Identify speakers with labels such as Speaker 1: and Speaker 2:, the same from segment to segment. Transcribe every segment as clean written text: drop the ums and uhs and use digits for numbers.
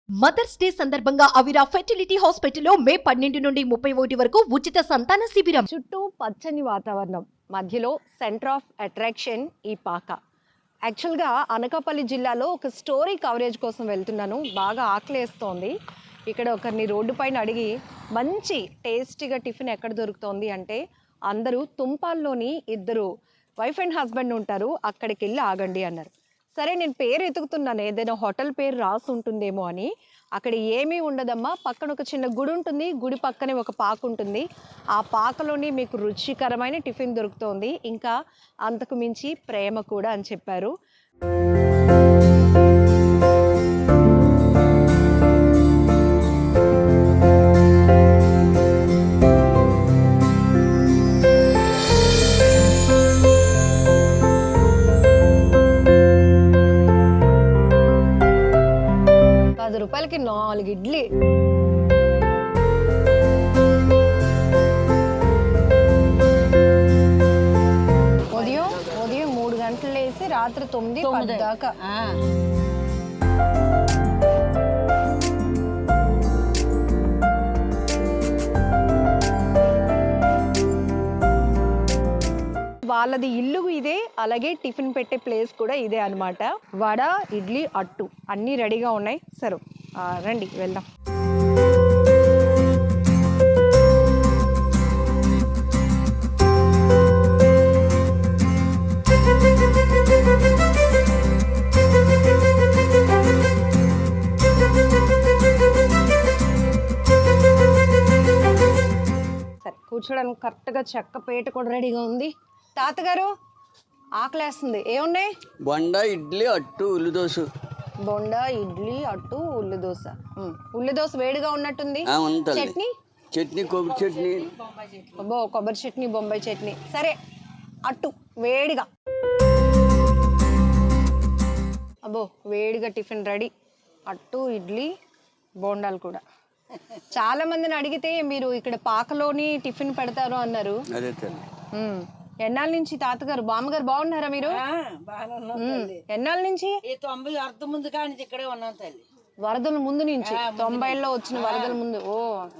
Speaker 1: Mothers day సందర్భంగా అవిరా fertility హాస్పిటల్లో మే 12 నుండి 31 వరకు ఉచిత సంతాన శిబిరం.
Speaker 2: చుట్టూ పచ్చని వాతావరణం, మధ్యలో సెంటర్ ఆఫ్ అట్రాక్షన్ ఈ పాక. యాక్చువల్గా అనకాపల్లి జిల్లాలో ఒక స్టోరీ కవరేజ్ కోసం వెళ్తున్నాను. బాగా ఆకలేస్తోంది. ఇక్కడ ఒకరిని రోడ్డు పైన అడిగి మంచి టేస్టీగా టిఫిన్ ఎక్కడ దొరుకుతోంది అంటే అందరూ తుంపాల్లోని ఇద్దరు వైఫ్ అండ్ హస్బెండ్ ఉంటారు, అక్కడికి వెళ్ళి ఆగండి అన్నారు. సరే నేను పేరు ఎతుకుతున్నాను, ఏదైనా హోటల్ పేరు రాసి ఉంటుందేమో అని. అక్కడ ఏమీ ఉండదమ్మా, పక్కన ఒక చిన్న గుడి ఉంటుంది, గుడి పక్కనే ఒక పాక ఉంటుంది. ఆ పాకలోని మీకు రుచికరమైన టిఫిన్ దొరుకుతోంది, ఇంకా అంతకు మించి ప్రేమ కూడా అని చెప్పారు. రూపాయలకి 4 ఇడ్లీ. ఉదయం 3 గంటలు వేసి రాత్రి 9 దాకా. వాళ్ళది ఇల్లు ఇదే, అలాగే టిఫిన్ పెట్టే ప్లేస్ కూడా ఇదే అన్నమాట. వడ, ఇడ్లీ, అట్టు అన్నీ రెడీగా ఉన్నాయి. సరే రండి వెళ్దాం. సరే కూర్చోడానికి కరెక్ట్గా చెక్క పేట కూడా రెడీగా ఉంది. తాతగారు ఆకలేస్తుంది, ఏమున్నాయి?
Speaker 3: బొండ, ఇడ్లీ, అట్టు, ఉల్లి దోశ.
Speaker 2: బొండ, ఇడ్లీ, అట్టు, ఉల్లి దోశ. ఉల్లి దోశ వేడిగా ఉన్నట్టుంది. చట్నీ?
Speaker 3: చట్నీ కొబ్బరి చట్నీ.
Speaker 2: అబ్బో, కొబ్బరి చట్నీ, బొంబాయి చట్నీ. సరే అట్టు వేడిగా. అబ్బో వేడిగా టిఫిన్ రెడీ. అట్టు, ఇడ్లీ, బోండాలు కూడా. చాలా మందిని అడిగితే మీరు ఇక్కడ పాకలోని టిఫిన్ పెడతారు అన్నారు.
Speaker 3: అదే తల్లి.
Speaker 2: ఎన్నాళ్ళ నుంచి తాతగారు, బామ్మగారు బాగున్నారా మీరు? ఎన్నాళ్ళ నుంచి?
Speaker 4: 90 అర్థం ముందు కానీ ఇక్కడే ఉన్నాం తల్లి.
Speaker 2: వరదల ముందు నుంచి, 90లో వచ్చిన వరదల ముందు. ఓ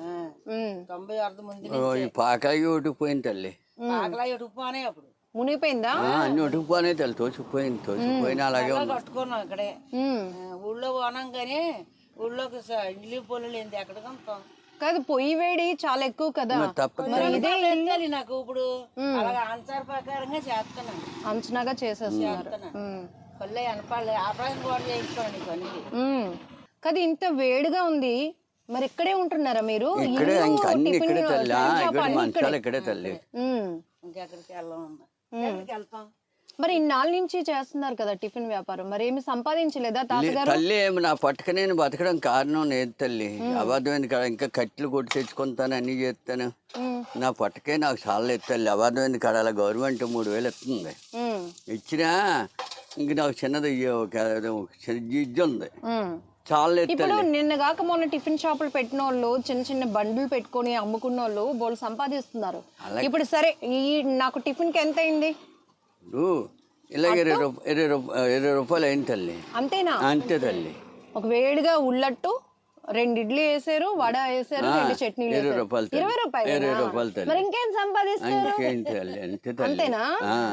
Speaker 4: 90 అర్థం ముందు
Speaker 3: ఈ పాకాయి ఒటుకుపోయింది తల్లి.
Speaker 4: ఆకలా ఎటుకుపోనే అప్పుడు
Speaker 2: మునిగిపోయిందా?
Speaker 3: అన్ని ఒటుకుపోనే తల్లి, తోచిపోయిన అలాగే
Speaker 4: కట్టుకున్నాం ఇక్కడే. ఊళ్ళో పోనాం కానీ ఊళ్ళోకి ఇడ్లీ పొల్లు ఏంది ఎక్కడ కొంటాం
Speaker 2: కాదు, పొయ్యి వేడి చాలా ఎక్కువ కదా.
Speaker 4: ఇదే నాకు ఇప్పుడు అలాగే ఆన్సర్ ప్రకారంగా చేస్తున్నాను,
Speaker 2: అంచనాగా చేసేస్తున్నారు.
Speaker 4: పల్లె అనపాలి ఆపరేషన్ కూడా చేయించుకోండి పనికి.
Speaker 2: కదా ఇంత వేడిగా ఉంది, మరి ఇక్కడే ఉంటున్నారా మీరు?
Speaker 3: ఇక్కడే, ఇక్కడే తల్లి, మంచాలు ఇక్కడే తల్లి.
Speaker 4: ఇంకెక్కడికి వెళ్తాం.
Speaker 2: మరి ఇన్నాళ్ళ నుంచి చేస్తున్నారు కదా టిఫిన్ వ్యాపారం, మరి ఏమి సంపాదించలేదా తాతగారు?
Speaker 3: తల్లి ఏమి నా పట్టుక నేను బతకడం కారణం లేదు తల్లి. అబద్ధమైంది కదా, ఇంకా కట్టెలు కొట్టి తెచ్చుకుంటాను, అన్ని చేస్తాను. నా పట్టుకే నాకు చాలా లేదు తల్లి. అబద్ధమైంది కదా, అలా గవర్నమెంట్ 3000 ఇస్తుంది. ఇచ్చినా ఇంక నాకు చిన్నది ఇజ్జు ఉంది, చాలా లేదు.
Speaker 2: ఇప్పుడు నిన్న కాక మొన్న టిఫిన్ షాపులు పెట్టిన వాళ్ళు చిన్న చిన్న బండ్లు పెట్టుకొని అమ్ముకున్న వాళ్ళు బోళ్ళు సంపాదిస్తున్నారు. ఇప్పుడు సరే ఈ నాకు టిఫిన్ కి ఎంత అయింది?
Speaker 3: ఇలాగ 20 రూపాయలు అయింది తల్లి.
Speaker 2: అంతేనా?
Speaker 3: అంతే తల్లి.
Speaker 2: ఒక వేడిగా ఉల్లట్టు, 2 ఇడ్లీ వేసారు, వడ వేసారు, 2 చట్నీలు.
Speaker 3: 20 రూపాయలు.
Speaker 2: 20 రూపాయలు తల్లి. మరి ఇంకేం సంపాదిస్తారు? అంతేనా?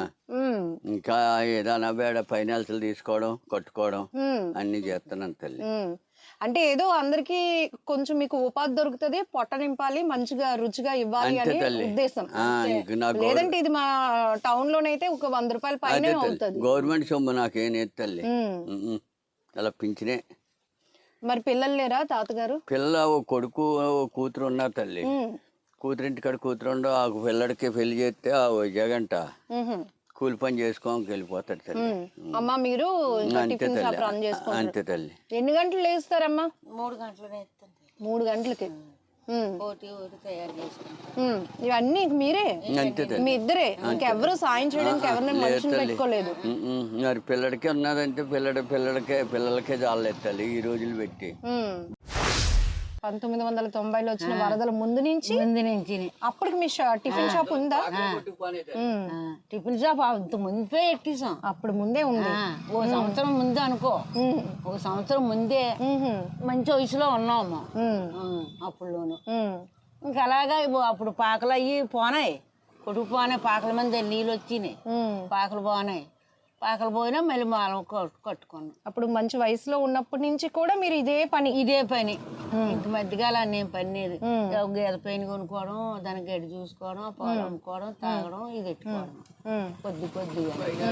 Speaker 3: ఇంకా ఏదైనా బేడ ఫైనాన్సులు తీసుకోవడం, కట్టుకోవడం అన్ని చేస్తున్నాను తల్లి.
Speaker 2: అంటే ఏదో అందరికి కొంచెం మీకు ఉపాధి దొరుకుతుంది, పొట్ట నింపాలి, మంచిగా రుచిగా ఇవ్వాలి అనే ఉద్దేశం. లేదంటే ఇది మా టౌన్ లోనైతే ఒక 100 రూపాయల పైన అవుతుంది.
Speaker 3: గవర్నమెంట్ సొమ్ము నాకేం తల్లి, అలా పింఛనే.
Speaker 2: మరి పిల్లలు లేరా తాతగారు?
Speaker 3: పిల్ల ఓ కొడుకు ఓ కూతురు ఉన్నారు తల్లి. కూతురింటికాడ కూతురు ఆ పిల్లడికి పెళ్లి చేస్తే ఆ జగంట కూలి పని చేసుకోడానికి వెళ్ళిపోతాడు తల్లి.
Speaker 2: అమ్మా మీరు టిఫిన్ షాప్ రన్ చేసుకుంటారు.
Speaker 3: అంతే తల్లి.
Speaker 2: ఎన్ని గంటలు లేస్తారమ్మా?
Speaker 4: 3 గంటలనే ఇస్తాను.
Speaker 2: 3 గంటలకి
Speaker 4: ఒకటి తయారు చేసుకుంటాం.
Speaker 2: ఇవన్నీ మీరే?
Speaker 3: అంతే తల్లి.
Speaker 2: మీ ఇద్దరే, ఇంకెవరు సాయం చేయడానికి ఎవరిని మనుషులు పెట్టుకోలేదు?
Speaker 3: మరి పిల్లడికి ఉన్నదంటే పిల్లలకే చాలేదు తల్లి ఈ రోజులు పెట్టి.
Speaker 2: 1990లో వచ్చిన వరదల ముందు నుంచి
Speaker 4: ముందు నుంచి
Speaker 2: అప్పటికి మీ టిఫిన్ షాప్ ఉందా?
Speaker 4: టిఫిన్ షాప్ అంత ముందే ఎట్టేసాం.
Speaker 2: అప్పుడు ముందే ఉంది.
Speaker 4: ఓ సంవత్సరం ముందే అనుకో, ఒక సంవత్సరం ముందే మంచి వయసులో ఉన్నాము అప్పుడులోను. ఇంకా అలాగా అప్పుడు పాకలు అయ్యి పోనాయి, కొడుకు పోనాయి, పాకల మంది నీళ్ళు వచ్చినాయి, పాకలు పోనాయి. పాకలు పోయినా మళ్ళీ మాలం కట్టుకున్నాం.
Speaker 2: అప్పుడు మంచి వయసులో ఉన్నప్పటి నుంచి కూడా మీరు ఇదే పని
Speaker 4: ఇంక మధ్యకాల నేను పనిది గేద పైన కొనుక్కోవడం, దానికి గడ్డి చూసుకోవడం, పాలు అమ్ముకోవడం, తాగడం, ఇది పెట్టుకోవడం కొద్దిగా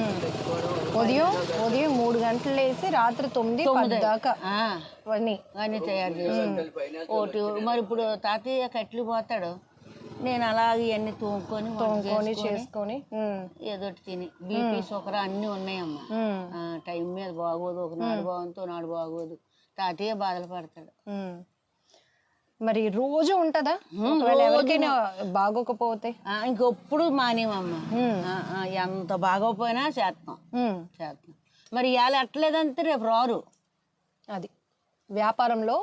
Speaker 2: ఉదయం 3 గంటలు వేసి రాత్రి 9 దాకా
Speaker 4: అన్నీ తయారు చేసి ఒకటి. మరి ఇప్పుడు తాతయ్య కట్లు పోతాడు, నేను అలాగే ఇవన్నీ తోముకొని
Speaker 2: చేసుకొని
Speaker 4: ఏదో తిని బీపీ షుగర్ అన్నీ ఉన్నాయమ్మా. టైం మీద బాగోదు, ఒకనాడు బాగుంది, నాడు బాగోదు. తాతయ్య బాధలు పడతాడు.
Speaker 2: మరి రోజు ఉంటదా ఎవరికైనా బాగోకపోతే?
Speaker 4: ఇంకెప్పుడు మానేమమ్మా, ఎంత బాగోపోయినా చేస్తాం. మరి ఇవాళ ఎట్టలేదంటే రేపు రారు.
Speaker 2: అది వ్యాపారంలో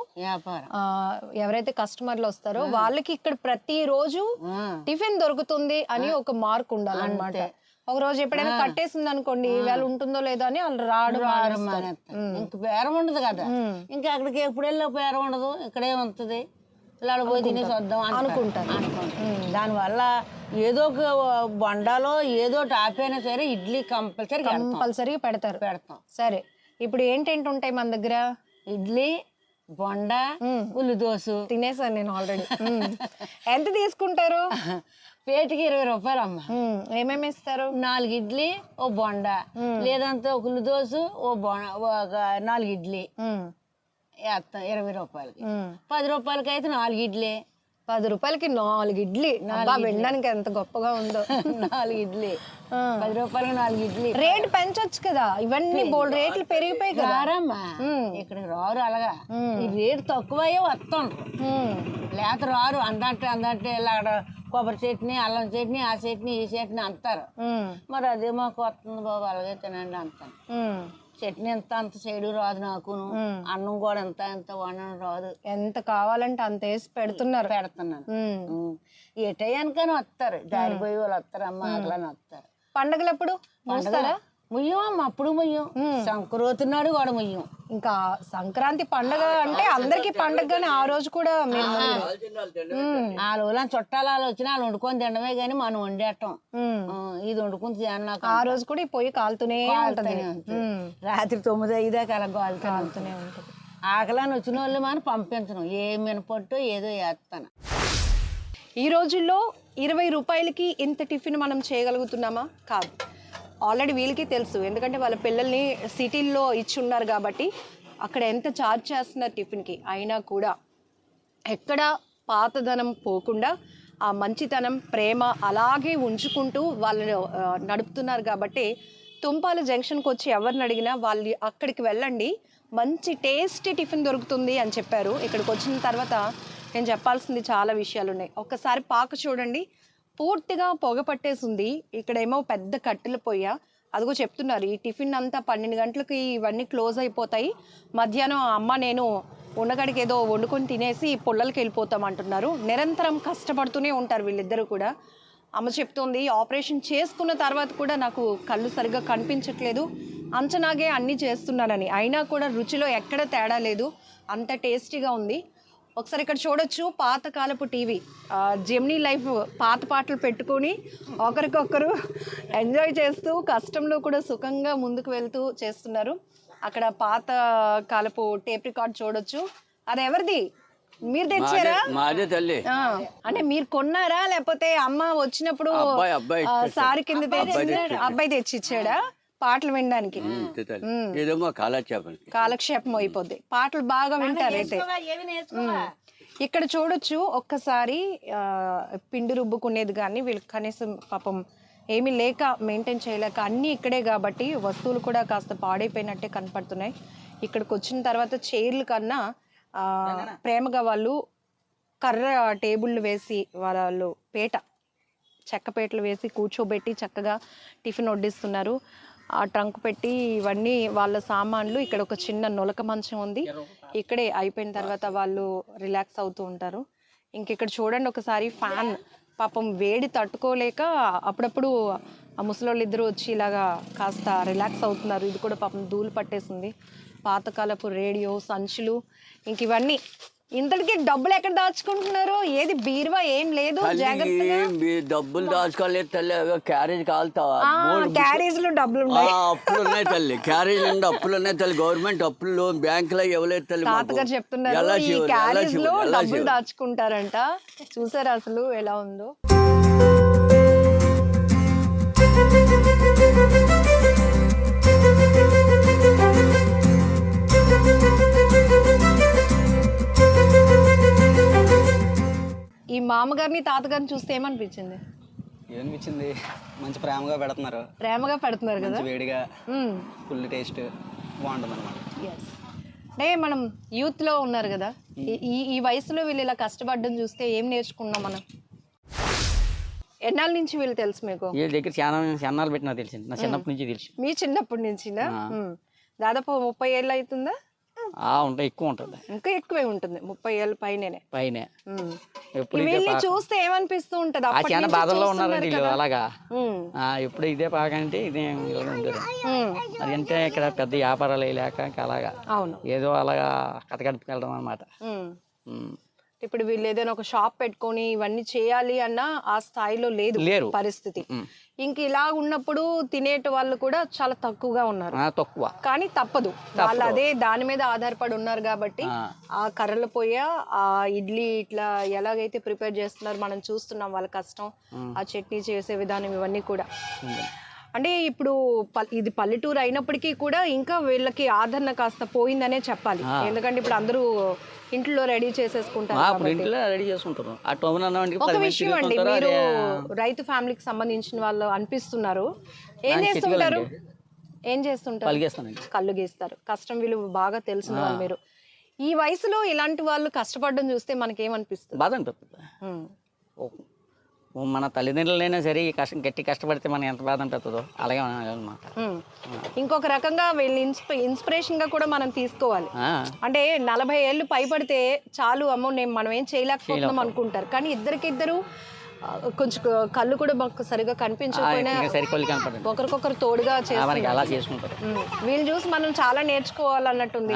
Speaker 2: ఎవరైతే కస్టమర్లు వస్తారో వాళ్ళకి ఇక్కడ ప్రతి రోజు టిఫిన్ దొరుకుతుంది అని ఒక మార్క్ ఉండాలన్నమాట. ఒక రోజు ఎప్పుడైనా కట్టేసింది అనుకోండి, వేళ ఉంటుందో లేదో అని వాళ్ళు రావడం
Speaker 4: ఇంక బేరం ఉండదు కదా. ఇంకా అక్కడికి ఎప్పుడు వెళ్ళి బేరం ఉండదు, ఇక్కడే ఉంటుంది, ఇలా పోయి తినేసి వద్దాం అనుకుంటాను. దానివల్ల ఏదో ఒక బొండాలో ఏదో టాపైనా సరే ఇడ్లీ కంపల్సరీ పెడతాం. సరే, ఇప్పుడు ఏంటేంటి ఉంటాయి మన దగ్గర? ఇడ్లీ, బొండ, ఉల్లి దోశ.
Speaker 2: తినేసాను నేను ఆల్రెడీ. ఎంత తీసుకుంటారు?
Speaker 4: పేటికి 20 రూపాయలు అమ్మ.
Speaker 2: ఏమేమి ఇస్తారు?
Speaker 4: 4 ఇడ్లీ, ఓ బొండ, లేదంటే ఒక ఉల్లి దోశ, ఒక 4 ఇడ్లీ వేస్తాం 20 రూపాయలకి. 10 రూపాయలకి అయితే 4 ఇడ్లీ.
Speaker 2: 10 రూపాయలకి 4 ఇడ్లీ వినడానికి ఎంత గొప్పగా ఉందో.
Speaker 4: 4 ఇడ్లీ 10 రూపాయలకి 4 ఇడ్లీ.
Speaker 2: రేట్ పెంచొచ్చు కదా, ఇవన్నీ బోల్డ్ రేట్లు పెరిగిపోయి కదా.
Speaker 4: ఇక్కడికి రారు అలాగా, ఈ రేటు తక్కువయ్యే వస్తుండ్రు, లేక రారు. అందంటే ఇలా అక్కడ కొబ్బరి చట్నీ, అల్లం చట్నీ, ఆ చట్నీ, ఈ చట్నీ అంటారు. మరి అదే మాకు వస్తుంది బాబు, అలాగే తినండి అంటాను. చట్నీ అంత సైడు రాదు నాకును, అన్నం కూడా ఎంత వండడం రాదు.
Speaker 2: ఎంత కావాలంటే అంత వేసి పెడుతున్నాను.
Speaker 4: ఏ టయానికైనా వస్తారు, దారిపోయి వాళ్ళు వస్తారు, అమ్మ అట్లని వస్తారు.
Speaker 2: పండగలప్పుడు
Speaker 4: ముయ్యం అప్పుడు ముయ్యం, సంక్రాంతి నాడు కూడా ముయ్యం.
Speaker 2: ఇంకా సంక్రాంతి పండగ అంటే అందరికి పండగ, ఆ రోజు కూడా
Speaker 4: ఆ రోజుల చుట్టాలు వాళ్ళు వచ్చిన వాళ్ళు వండుకొని తినడమే గానీ మనం వండేటం, ఇది వండుకుని తిన్నాక
Speaker 2: ఆ రోజు కూడా పొయ్యి కాలుతూనే ఉంటుంది.
Speaker 4: రాత్రి 9-5 దాకా అలా కాలుతూనే ఉంటుంది. ఆకలని వచ్చిన వాళ్ళు మనం పంపించను, ఏ మినపట్టు ఏదో వేస్తాను.
Speaker 2: ఈ రోజుల్లో 20 రూపాయలకి ఇంత టిఫిన్ మనం చేయగలుగుతున్నామా? కాదు. ఆల్రెడీ వీళ్ళకి తెలుసు, ఎందుకంటే వాళ్ళ పిల్లల్ని సిటీల్లో ఇచ్చి ఉన్నారు కాబట్టి అక్కడ ఎంత ఛార్జ్ చేస్తున్నారు టిఫిన్కి. అయినా కూడా ఎక్కడ పాతదనం పోకుండా ఆ మంచితనం, ప్రేమ అలాగే ఉంచుకుంటూ వాళ్ళు నడుపుతున్నారు. కాబట్టి తుంపాల జంక్షన్కి వచ్చి ఎవరిని అడిగినా వాళ్ళు అక్కడికి వెళ్ళండి, మంచి టేస్టీ టిఫిన్ దొరుకుతుంది అని చెప్పారు. ఇక్కడికి వచ్చిన తర్వాత నేను చెప్పాల్సింది చాలా విషయాలు ఉన్నాయి. ఒక్కసారి పాక చూడండి, పూర్తిగా పొగ పట్టేసింది. ఇక్కడేమో పెద్ద కట్టెల పొయ్య. అదిగో చెప్తున్నారు ఈ టిఫిన్ అంతా 12 గంటలకి ఇవన్నీ క్లోజ్ అయిపోతాయి, మధ్యాహ్నం అమ్మ నేను ఉండగడికి ఏదో వండుకొని తినేసి పుల్లలకి వెళ్ళిపోతాం అంటున్నారు. నిరంతరం కష్టపడుతూనే ఉంటారు వీళ్ళిద్దరూ కూడా. అమ్మ చెప్తోంది ఆపరేషన్ చేసుకున్న తర్వాత కూడా నాకు కళ్ళు సరిగ్గా కనిపించట్లేదు, అంచనాగే అన్నీ చేస్తున్నానని. అయినా కూడా రుచిలో ఎక్కడ తేడా లేదు, అంత టేస్టీగా ఉంది. ఒకసారి ఇక్కడ చూడొచ్చు పాతకాలపు టీవీ, జెమినీ లైఫ్ పాత పాటలు పెట్టుకొని ఒకరికొకరు ఎంజాయ్ చేస్తూ కష్టంలో కూడా సుఖంగా ముందుకు వెళ్తూ చేస్తున్నారు. అక్కడ పాత కాలపు టేప్ రికార్డ్ చూడొచ్చు. అది ఎవరిది? మీరు తెచ్చారా?
Speaker 3: మాదే తల్లి.
Speaker 2: అంటే మీరు కొన్నారా లేకపోతే అమ్మ వచ్చినప్పుడు సారి కింద అబ్బాయి తెచ్చి ఇచ్చాడా పాటలు వినడానికి? కాలక్షేపం అయిపోద్ది, పాటలు బాగా వింటారైతే. ఇక్కడ చూడొచ్చు ఒక్కసారి పిండి రుబ్బుకునేది కానీ వీళ్ళకి కనీసం పాపం ఏమీ లేక మెయింటైన్ చేయలేక అన్నీ ఇక్కడే కాబట్టి వస్తువులు కూడా కాస్త పాడైపోయినట్టే కనపడుతున్నాయి. ఇక్కడికి వచ్చిన తర్వాత చైర్లు కన్నా ప్రేమగా వాళ్ళు కర్ర టేబుళ్ళు వేసి వాళ్ళు చెక్క పీటలు వేసి కూర్చోబెట్టి చక్కగా టిఫిన్ వడ్డిస్తున్నారు. ఆ ట్రంక్ పెట్టి ఇవన్నీ వాళ్ళ సామాన్లు. ఇక్కడ ఒక చిన్న నొలక మంచం ఉంది, ఇక్కడే అయిపోయిన తర్వాత వాళ్ళు రిలాక్స్ అవుతూ ఉంటారు. ఇంక ఇక్కడ చూడండి ఒకసారి ఫ్యాన్, పాపం వేడి తట్టుకోలేక అప్పుడప్పుడు ఆ ముసలోళ్ళు ఇద్దరు వచ్చి ఇలాగా కాస్త రిలాక్స్ అవుతున్నారు. ఇది కూడా పాపం ధూళి పట్టేసింది. పాతకాలపు రేడియో, సంచులు, ఇంక ఇవన్నీ. ఇంతటికి డబ్బులు ఎక్కడ దాచుకుంటున్నారు? ఏది బీరువా ఏం లేదు, జాగ్రత్తగా
Speaker 3: డబ్బులు దాచుకోలేదు తల్లి. క్యారేజ్ కాలుతావా?
Speaker 2: క్యారేజ్ లో డబ్బులు ఉన్నాయి.
Speaker 3: అప్పులు ఉన్నాయి తల్లి, క్యారేజ్ నుండి అప్పులు ఉన్నాయి తల్లి. గవర్నమెంట్ అప్పులు బ్యాంకులో ఇవ్వలేదు తల్లి.
Speaker 2: తాతగారు చెప్తున్నారు ఈ క్యారేజ్ లో డబ్బులు దాచుకుంటారంట. చూసారు అసలు ఎలా ఉందో. ఈ మామగారిని తాతగారిని చూస్తే ఏమనిపించింది?
Speaker 5: ఏమనిపించింది? మంచి ప్రేమగా పెడుతున్నారు.
Speaker 2: ప్రేమగా పెడుతున్నారు కదా,
Speaker 5: వేడిగా, ఫుల్ టేస్ట్ బాగుంటుంది అనమాట.
Speaker 2: అంటే మనం యూత్ లో ఉన్నారు కదా, ఈ వయసులో వీళ్ళు ఇలా కష్టపడడం చూస్తే ఏం నేర్చుకున్నాం మనం? ఎన్నాళ్ళ నుంచి వీళ్ళు తెలుసు మీకు?
Speaker 5: ఈ దగ్గర చాలా చిన్నాళ్ళు పెట్టినా తెలిసింది, నా చిన్నప్పటి నుంచి తెలుసు.
Speaker 2: మీ చిన్నప్పటి నుంచినా? దాదాపు 30 ఏళ్ళు అవుతుందా?
Speaker 5: ఉంటాయి, ఎక్కువ ఉంటుంది.
Speaker 2: ఇంకా ఎక్కువే ఉంటుంది, 30 ఏళ్ళ పైనే.
Speaker 5: ఎప్పుడు
Speaker 2: చూస్తే ఏమనిపిస్తూ ఉంటది?
Speaker 5: చాలా బాధల్లో ఉన్నారండి వీళ్ళు. అలాగా ఎప్పుడు ఇదే పాకంటే ఇదే ఉండదు. అది అంటే ఇక్కడ పెద్ద వ్యాపారాలు లేక అలాగా ఏదో అలాగా కథగడుపుకెళ్ళడం అనమాట.
Speaker 2: ఇప్పుడు వీళ్ళు ఏదైనా ఒక షాప్ పెట్టుకొని ఇవన్నీ చేయాలి అన్న ఆ స్థాయిలో లేదు పరిస్థితి. ఇంక ఇలా ఉన్నప్పుడు తినేట వాళ్ళు కూడా చాలా తక్కువగా ఉన్నారు.
Speaker 5: తక్కువ,
Speaker 2: కానీ తప్పదు, వాళ్ళు అదే దాని మీద ఆధారపడి ఉన్నారు కాబట్టి ఆ కర్రల పొయ్య, ఆ ఇడ్లీ ఇట్లా ఎలాగైతే ప్రిపేర్ చేస్తున్నారు మనం చూస్తున్నాం, వాళ్ళ కష్టం, ఆ చట్నీ చేసే విధానం, ఇవన్నీ కూడా. అంటే ఇప్పుడు ఇది పల్లెటూరు అయినప్పటికీ కూడా ఇంకా వీళ్ళకి ఆదరణ కాస్త పోయిందనే చెప్పాలి. ఎందుకంటే ఇప్పుడు అందరూ ఇంట్లో రెడీ చేసేసుకుంటారు. ఒక విషయం అండి, మీరు రైతు ఫ్యామిలీకి సంబంధించిన వాళ్ళు అనిపిస్తున్నారు. ఏం చేస్తుంటారు? కళ్ళు గీస్తారు. కష్టం విలువ బాగా తెలిసిన వాళ్ళు మీరు. ఈ వయసులో ఇలాంటి వాళ్ళు కష్టపడడం చూస్తే మనకేమనిపిస్తుంది?
Speaker 5: బాధ అనిపిస్తుంది. మన తల్లిదండ్రులైనా సరే గట్టి కష్టపడితే మనం ఎంత బాధ అనిపిస్తుందో అలాగే అనమాట.
Speaker 2: ఇంకొక రకంగా వీళ్ళు ఇన్స్పిరేషన్ గా కూడా మనం తీసుకోవాలి. అంటే 40 ఏళ్ళు పైపడితే చాలు, అమ్మో మనం ఏం చేయలేకపోతున్నాం అనుకుంటారు. కానీ ఇద్దరికిద్దరు కొంచెం కళ్ళు కూడా మాకు సరిగా కనిపించకపోయినా ఒకరికొకరు తోడుగా
Speaker 5: చేసుకుంటారు.
Speaker 2: వీళ్ళు చూసి మనం చాలా నేర్చుకోవాలన్నట్టుంది.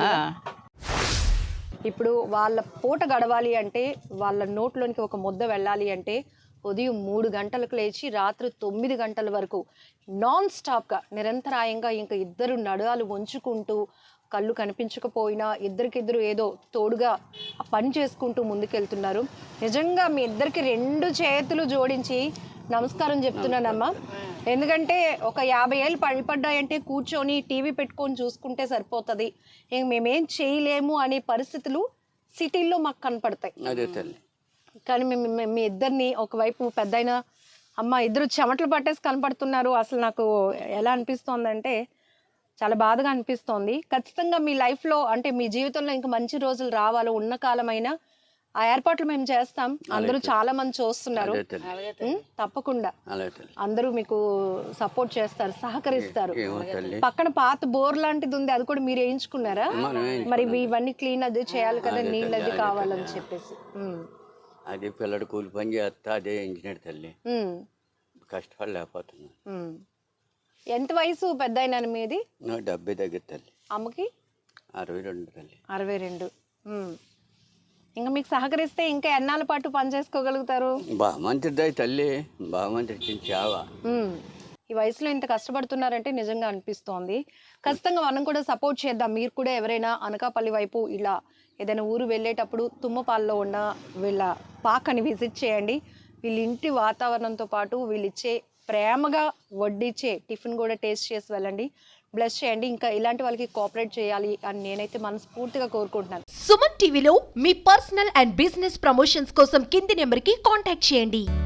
Speaker 2: ఇప్పుడు వాళ్ళ పూట గడవాలి అంటే, వాళ్ళ నోట్లోనికి ఒక ముద్ద వెళ్ళాలి అంటే ఉదయం 3 గంటలకు లేచి రాత్రి 9 గంటల వరకు నాన్ స్టాప్గా నిరంతరాయంగా ఇంకా ఇద్దరు నడుాలు వంచుకుంటూ, కళ్ళు కనిపించకపోయినా ఇద్దరికిద్దరు ఏదో తోడుగా పని చేసుకుంటూ ముందుకెళ్తున్నారు. నిజంగా మీ ఇద్దరికి 2 చేతులు జోడించి నమస్కారం చెప్తున్నానమ్మా. ఎందుకంటే ఒక 50 ఏళ్ళు పడిపడ్డాయంటే కూర్చొని టీవీ పెట్టుకొని చూసుకుంటే సరిపోతుంది, ఇంక మేమేం చేయలేము అనే పరిస్థితులు సిటీల్లో మాకు కనపడతాయి. కానీ మీ ఇద్దరిని ఒకవైపు పెద్దయినా అమ్మ ఇద్దరు చెమటలు పట్టేసి కనపడుతున్నారు. అసలు నాకు ఎలా అనిపిస్తోందంటే చాలా బాధగా అనిపిస్తోంది. ఖచ్చితంగా మీ లైఫ్లో అంటే మీ జీవితంలో ఇంకా మంచి రోజులు రావాలి, ఉన్న కాలమైనా ఆ ఏర్పాట్లు మేము చేస్తాం. అందరూ చాలా మంది చూస్తున్నారు, తప్పకుండా అందరూ మీకు సపోర్ట్ చేస్తారు, సహకరిస్తారు. పక్కన పాత బోర్ లాంటిది ఉంది, అది కూడా మీరు వేయించుకున్నారా? మరి ఇవన్నీ క్లీన్ అది చేయాలి కదా, నీళ్ళు అది కావాలని చెప్పేసి.
Speaker 3: అదే పిల్లడు కూలి పని చేస్తా అదే ఇంజనీర్ తల్లి, కష్టపడలేకపోతున్నా.
Speaker 2: ఎంత వయసు పెద్ద అయినా మీది?
Speaker 3: 70 దగ్గర తల్లి.
Speaker 2: అమ్మకి
Speaker 3: 62 తల్లి.
Speaker 2: 62. ఇంకా మీకు సహకరిస్తే ఇంకా ఎన్నాళ్ళ పాటు పని చేసుకోగలుగుతారు?
Speaker 3: బాగా మంచిది తల్లి, బాగా మంచి చావా.
Speaker 2: ఈ వయసులో ఇంత కష్టపడుతున్నారంటే నిజంగా అనిపిస్తోంది. ఖచ్చితంగా మనం కూడా సపోర్ట్ చేద్దాం. మీరు కూడా ఎవరైనా అనకాపల్లి వైపు ఇలా ఏదైనా ఊరు వెళ్ళేటప్పుడు తుమ్మపాల్లో ఉన్న వీళ్ళ పాకని విజిట్ చేయండి. వీళ్ళ ఇంటి వాతావరణంతో పాటు వీళ్ళు ఇచ్చే ప్రేమగా వడ్డిచ్చే టిఫిన్ కూడా టేస్ట్ చేసి వెళ్ళండి, బ్లెస్ చేయండి. ఇంకా ఇలాంటి వాళ్ళకి కోఆపరేట్ చేయాలి అని నేనైతే మనస్ఫూర్తిగా కోరుకుంటున్నాను.
Speaker 1: సుమన్ టీవీలో మీ పర్సనల్ అండ్ బిజినెస్ ప్రమోషన్స్ కోసం కింది నెంబర్కి కాంటాక్ట్ చేయండి.